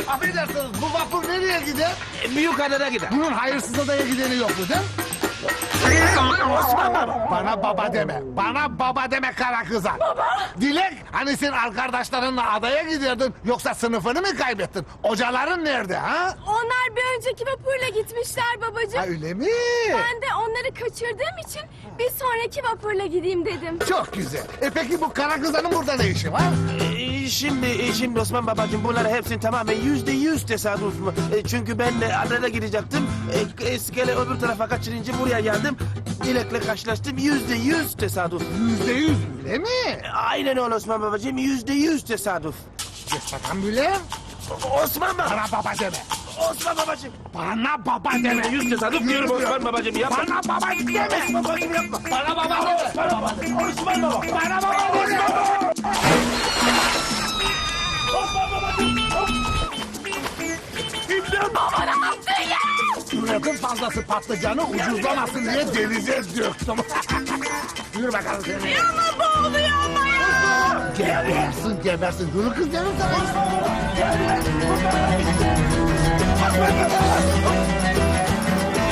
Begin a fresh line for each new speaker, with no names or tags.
Affedersiniz, bu vapur nereye gider?
Büyük adada gider.
Bunun hayırsız adaya gideni yok mu değil mi?
Osman baba.
Bana baba deme. Bana baba deme kara kıza. Baba. Dilek, hani sen arkadaşlarınla adaya giderdin yoksa sınıfını mı kaybettin? Hocaların nerede ha?
Onlar bir önceki vapurla gitmişler babacığım.
Ha öyle mi?
Ben de onları kaçırdığım için bir sonraki vapurla gideyim dedim.
Çok güzel. Peki bu kara kızanın burada ne işi var?
Şimdi Osman babacığım bunlar hepsini tamamen %100 tesadüf. Çünkü ben adada gidecektim. İskele öbür tarafa kaçırınca buraya geldim. Dilek'le karşılaştım. %100 tesadüf.
%100 öyle mi?
Aynen öyle Osman babacığım. %100 tesadüf.
Geç bakalım Bülent.
Osman baba.
Bana baba deme.
Osman babacığım.
Bana baba deme.
%100 tesadüf diyorum Osman babacığım. Yapma.
Bana baba deme.
Osman babacığım yapma.
Bana baba deme.
Osman baba. Osman baba.
Bana baba deme.
Osman babacığım. İmdat. Baba ne yaptın ya?
Üretim fazlası patlıcanı ucuzlamasın diye denize döktüm. Yürü bakalım seni.
Ama boğuluyor ama ya.
Gebersin. Dur kız canım sana.
Osman baba.